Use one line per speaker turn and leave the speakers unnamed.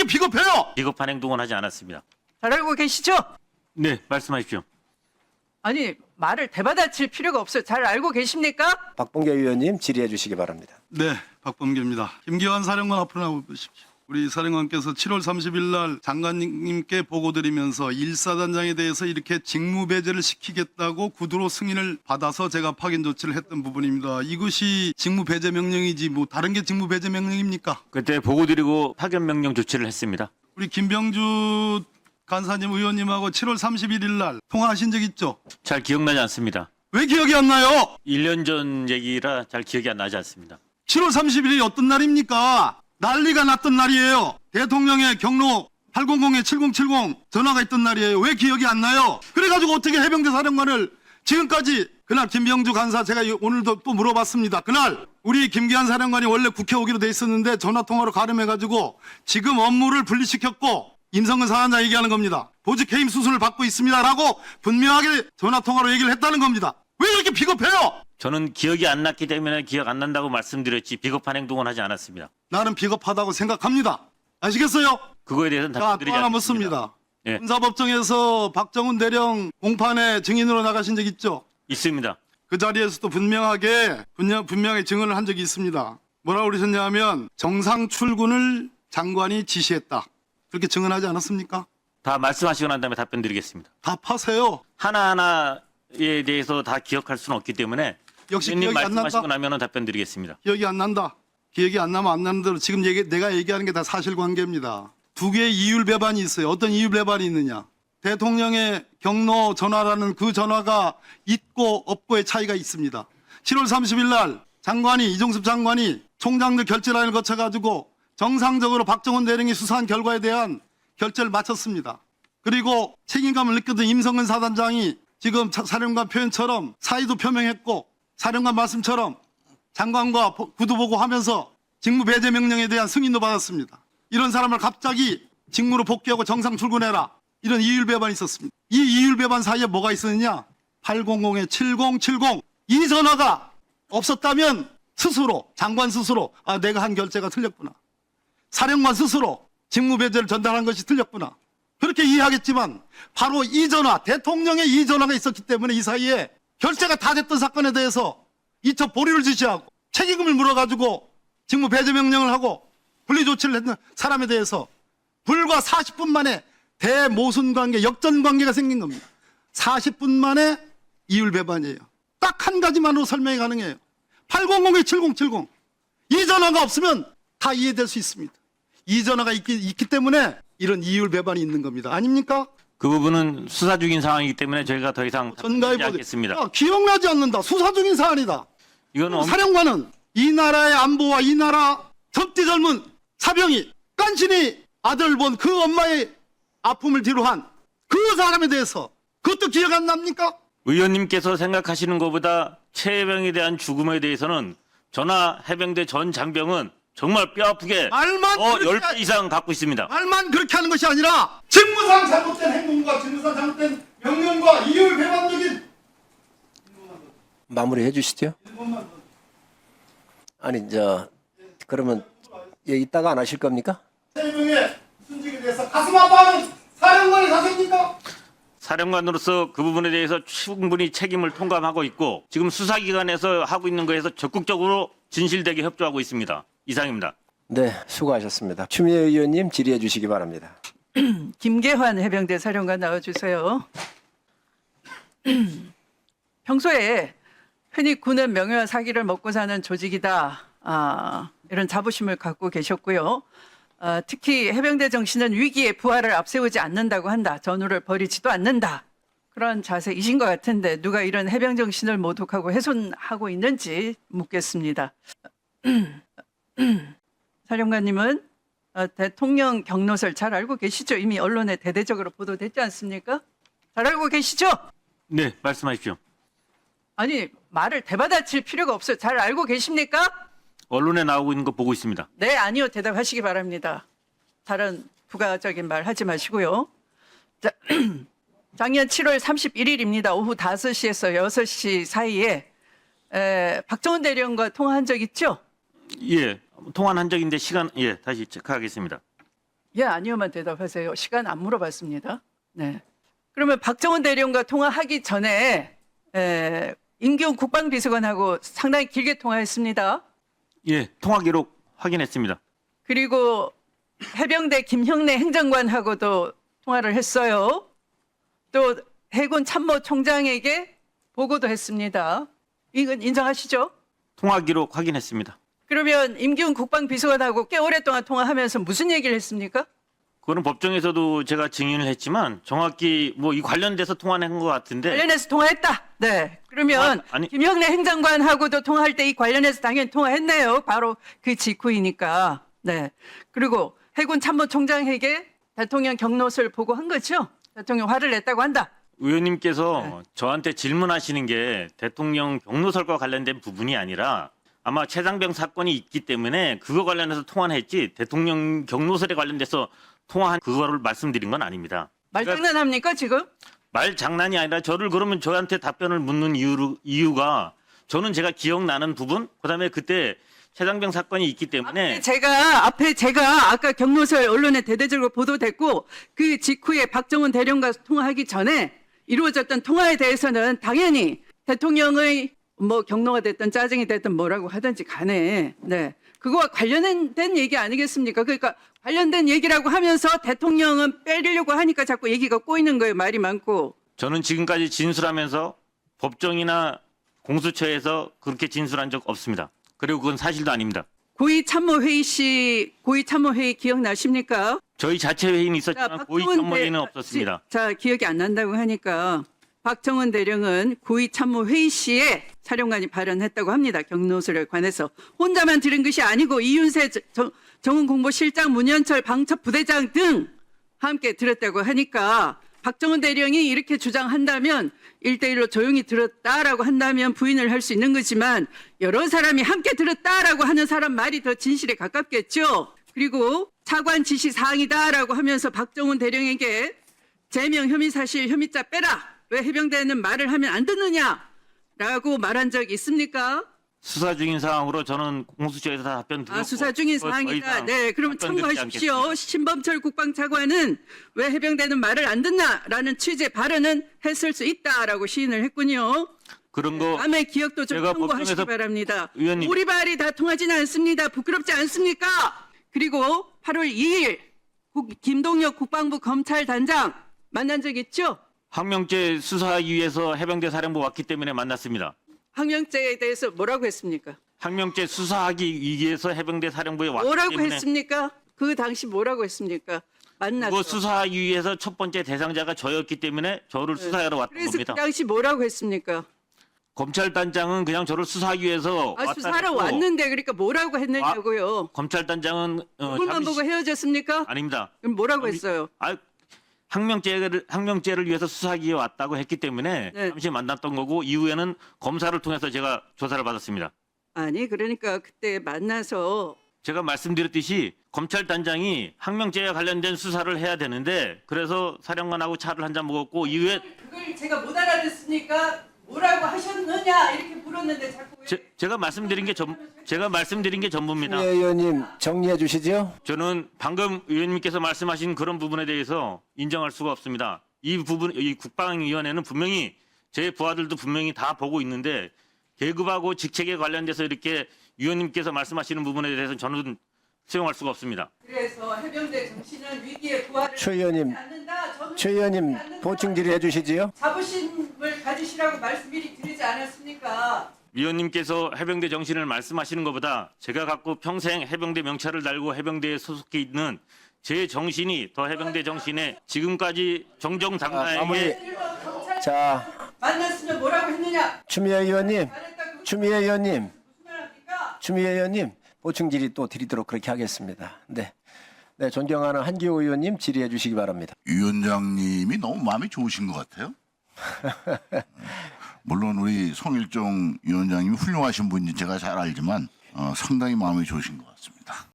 이렇게 비겁해요?
비겁한 행동은 하지 않았습니다.
잘 알고 계시죠?
네, 말씀하십시오.
아니 말을 대받아칠 필요가 없어요. 잘 알고 계십니까?
박범계 의원님 질의해 주시기 바랍니다.
네, 박범계입니다. 김기환 사령관 앞으로 나와보십시오. 우리 사령관께서 7월 30일 날 장관님께 보고드리면서 일사단장에 대해서 이렇게 직무배제를 시키겠다고 구두로 승인을 받아서 제가 파견 조치를 했던 부분입니다. 이것이 직무배제 명령이지 뭐 다른 게 직무배제 명령입니까?
그때 보고 드리고 파견 명령 조치를 했습니다.
우리 김병주 간사님 의원님하고 7월 31일 날 통화하신 적 있죠?
잘 기억나지 않습니다.
왜 기억이 안 나요?
1년 전 얘기라 잘 기억이 안 나지 않습니다.
7월 30일이 어떤 날입니까? 난리가 났던 날이에요. 대통령의 경로 800-7070 전화가 있던 날이에요. 왜 기억이 안 나요? 그래가지고 어떻게 해병대 사령관을 지금까지 그날 김병주 간사 제가 오늘도 또 물어봤습니다. 그날 우리 김기환 사령관이 원래 국회 오기로 돼 있었는데 전화통화로 가름해가지고 지금 업무를 분리시켰고 임성근 사단장 얘기하는 겁니다. 보직 해임 수순을 받고 있습니다라고 분명하게 전화통화로 얘기를 했다는 겁니다. 왜 이렇게 비겁해요?
저는 기억이 안 났기 때문에 기억 안 난다고 말씀드렸지 비겁한 행동은 하지 않았습니다.
나는 비겁하다고 생각합니다. 아시겠어요?
그거에 대해서는
자, 또
답변드리지
하나
않습니다.
묻습니다.
예.
군사법정에서 박정훈 대령 공판에 증인으로 나가신 적 있죠?
있습니다.
그 자리에서도 분명하게 증언을 한 적이 있습니다. 뭐라고 그러셨냐면 정상 출근을 장관이 지시했다. 그렇게 증언하지 않았습니까?
다 말씀하시고 난 다음에 답변드리겠습니다.
답하세요.
하나하나에 대해서 다 기억할 수는 없기 때문에
역시
의원님
기억이 안
말씀하시고
난다.
나면 답변드리겠습니다.
기억이 안 난다. 기억이 안 나면 안 나는 대로 지금 내가 얘기하는 게 다 사실관계입니다. 두 개의 이율 배반이 있어요. 어떤 이율 배반이 있느냐. 대통령의 경로 전화라는 그 전화가 있고 없고의 차이가 있습니다. 7월 30일 날 이종섭 장관이 총장들 결재라인을 거쳐가지고 정상적으로 박정훈 대령이 수사한 결과에 대한 결재를 마쳤습니다. 그리고 책임감을 느꼈던 임성근 사단장이 지금 사령관 표현처럼 사의도 표명했고 사령관 말씀처럼 장관과 구두 보고하면서 직무 배제 명령에 대한 승인도 받았습니다. 이런 사람을 갑자기 직무로 복귀하고 정상 출근해라. 이런 이율 배반이 있었습니다. 이 이율 배반 사이에 뭐가 있었느냐? 800-7070 이 전화가 없었다면 스스로 장관 스스로 내가 한 결재가 틀렸구나. 사령관 스스로 직무 배제를 전달한 것이 틀렸구나. 그렇게 이해하겠지만 바로 이 전화, 대통령의 이 전화가 있었기 때문에 이 사이에 결재가 다 됐던 사건에 대해서 이첩 보류를 지시하고 책임을 물어가지고 직무 배제 명령을 하고 분리 조치를 했는 사람에 대해서 불과 40분 만에 대모순 관계, 역전 관계가 생긴 겁니다. 40분 만에 이율 배반이에요. 딱 한 가지만으로 설명이 가능해요. 800-7070 이 전화가 없으면 다 이해될 수 있습니다. 이 전화가 있기 때문에 이런 이율 배반이 있는 겁니다. 아닙니까?
그 부분은 수사 중인 상황이기 때문에 저희가 더 이상
전가해
답변하지 않겠습니다.
기억나지 않는다. 수사 중인 사안이다.
이거는
사령관은 이 나라의 안보와 이 나라 젊디 젊은 사병이 깐신히 아들 본 그 엄마의 아픔을 뒤로한 그 사람에 대해서 그것도 기억 안 납니까?
의원님께서 생각하시는 것보다 최 해병에 대한 죽음에 대해서는 전하 해병대 전 장병은 정말 뼈아프게
말만
10배 이상 갖고 있습니다.
말만 그렇게 하는 것이 아니라 직무상 잘못된 행동과 직무상 잘못된 명령과 이율 배반적인
마무리해 주시죠. 아니 그러면 이따가 안 하실 겁니까?
3명의 순직에 대해서 가슴 아파하는 사령관이 사생입니까?
사령관으로서 그 부분에 대해서 충분히 책임을 통감하고 있고 지금 수사기관에서 하고 있는 거에서 적극적으로 진실되게 협조하고 있습니다. 이상입니다.
네, 수고하셨습니다. 추미애 의원님 질의해 주시기 바랍니다.
김계환 해병대 사령관 나와주세요. 평소에 흔히 군은 명예와 사기를 먹고 사는 조직이다. 이런 자부심을 갖고 계셨고요. 특히 해병대 정신은 위기에 부하를 앞세우지 않는다고 한다. 전우를 버리지도 않는다. 그런 자세이신 것 같은데 누가 이런 해병 정신을 모독하고 훼손하고 있는지 묻겠습니다. 사령관님은 대통령 경로설 잘 알고 계시죠? 이미 언론에 대대적으로 보도됐지 않습니까? 잘 알고 계시죠?
네, 말씀하십시오.
아니 말을 대받아칠 필요가 없어요. 잘 알고 계십니까?
언론에 나오고 있는 거 보고 있습니다.
네, 아니요. 대답하시기 바랍니다. 다른 부가적인 말 하지 마시고요. 자, 작년 7월 31일입니다. 오후 5시에서 6시 사이에 박정훈 대령과 통화한 적 있죠?
예, 통화한 적인데 시간 다시 체크하겠습니다.
예, 아니요만 대답하세요. 시간 안 물어봤습니다. 네. 그러면 박정훈 대령과 통화하기 전에 임기훈 국방비서관하고 상당히 길게 통화했습니다.
예, 통화 기록 확인했습니다.
그리고 해병대 김형래 행정관하고도 통화를 했어요. 또 해군 참모총장에게 보고도 했습니다. 이건 인정하시죠?
통화 기록 확인했습니다.
그러면 임기훈 국방비서관하고 꽤 오랫동안 통화하면서 무슨 얘기를 했습니까?
그거는 법정에서도 제가 증인을 했지만 정확히 뭐 이 관련돼서 통화한 것 같은데
관련해서 통화했다. 네. 그러면
아니.
김형래 행정관하고도 통화할 때 이 관련해서 당연히 통화했네요. 바로 그 직후이니까. 네. 그리고 해군 참모총장에게 대통령 경로서를 보고한 거죠. 대통령 화를 냈다고 한다.
의원님께서 저한테 질문하시는 게 대통령 경로설과 관련된 부분이 아니라 아마 최상병 사건이 있기 때문에 그거 관련해서 통화는 했지 대통령 경로설에 관련돼서 통화한 그거를 말씀드린 건 아닙니다.
말장난합니까 지금?
말 장난이 아니라 저를 그러면 저한테 답변을 묻는 이유가 저는 제가 기억나는 부분 그다음에 그때 최상병 사건이 있기 때문에
앞에 제가 아까 경로설 언론에 대대적으로 보도됐고 그 직후에 박정훈 대령과 통화하기 전에 이루어졌던 통화에 대해서는 당연히 대통령의 뭐 경로가 됐든 짜증이 됐든 뭐라고 하든지 간에 네 그거와 관련된 얘기 아니겠습니까? 그러니까 관련된 얘기라고 하면서 대통령은 빼려고 하니까 자꾸 얘기가 꼬이는 거예요. 말이 많고.
저는 지금까지 진술하면서 법정이나 공수처에서 그렇게 진술한 적 없습니다. 그리고 그건 사실도 아닙니다.
고위 참모회의 기억나십니까?
저희 자체 회의는 있었지만 고위 참모회의는 없었습니다.
자, 기억이 안 난다고 하니까 박정훈 대령은 고위 참모회의 시에 사령관이 발언했다고 합니다. 경로설에 관해서. 혼자만 들은 것이 아니고 이윤세 정훈공보실장, 문현철 방첩부대장 등 함께 들었다고 하니까 박정훈 대령이 이렇게 주장한다면 1대1로 조용히 들었다라고 한다면 부인을 할 수 있는 거지만 여러 사람이 함께 들었다라고 하는 사람 말이 더 진실에 가깝겠죠. 그리고 차관 지시 사항이다라고 하면서 박정훈 대령에게 제명 혐의 사실 혐의자 빼라. 왜 해병대는 말을 하면 안 듣느냐라고 말한 적 있습니까?
수사 중인 상황으로 저는 공수처에서 다 답변 드렸고
수사 중인
더
사항이다.
이상
네, 그럼
답변 드리지
참고하십시오.
않겠습니다.
신범철 국방차관은 왜 해병대는 말을 안 듣나라는 취지의 발언은 했을 수 있다라고 시인을 했군요.
그런 거
다음에 기억도 좀
제가
참고하시기
법정에서
바랍니다.
의원님.
우리 말이 다 통하지는 않습니다. 부끄럽지 않습니까? 그리고 8월 2일 김동혁 국방부 검찰단장 만난 적 있죠?
항명죄 수사하기 위해서 해병대 사령부 왔기 때문에 만났습니다.
항명죄에 대해서 뭐라고 했습니까?
항명죄 수사하기 위해서 해병대 사령부에 왔기
뭐라고
때문에
했습니까? 그 당시 뭐라고 했습니까? 만났어.
그거 수사하기 위해서 첫 번째 대상자가 저였기 때문에 저를 수사하러 왔던
그래서
겁니다.
그 당시 뭐라고 했습니까?
검찰단장은 그냥 저를 수사하기 위해서 왔다
수사하러
했고
왔는데 그러니까 뭐라고 했느냐고요.
검찰단장은
얼굴만 보고 헤어졌습니까?
아닙니다.
그럼 뭐라고 했어요?
항명죄를 위해서 수사하기 위해 왔다고 했기 때문에
네.
잠시 만났던 거고 이후에는 검사를 통해서 제가 조사를 받았습니다.
아니 그러니까 그때 만나서
제가 말씀드렸듯이 검찰단장이 항명죄와 관련된 수사를 해야 되는데 그래서 사령관하고 차를 한잔 먹었고 이후에
그걸 제가 못 알아듣으니까 뭐라고 하셨느냐 이렇게 물었는데 자꾸
제가 말씀드린 게 전부입니다.
추미애 의원님 정리해 주시죠.
저는 방금 의원님께서 말씀하신 그런 부분에 대해서 인정할 수가 없습니다. 이 국방위원회는 분명히 제 부하들도 분명히 다 보고 있는데 계급하고 직책에 관련돼서 이렇게 위원님께서 말씀하시는 부분에 대해서 저는 수용할 수가 없습니다.
그래서 해병대 정신은 위기에 부활을
최 의원님, 최 의원님 보충 질의해 주시지요.
자부심을 가지시라고 말씀 미리 드리지 않았습니까?
위원님께서 해병대 정신을 말씀하시는 것보다 제가 갖고 평생 해병대 명찰을 달고 해병대에 소속해 있는 제 정신이 더 해병대 정신에 지금까지 정정당당하게
자,
만났으면 뭐라고 했느냐?
추미애 의원님,
잘했다고
추미애 의원님,
무슨 말 합니까?
추미애 의원님 보충 질의 또 드리도록 그렇게 하겠습니다. 네, 존경하는 한기호 의원님 질의해 주시기 바랍니다.
위원장님이 너무 마음이 좋으신 것 같아요. 물론 우리 송일종 위원장님이 훌륭하신 분인지 제가 잘 알지만 상당히 마음이 좋으신 것 같습니다.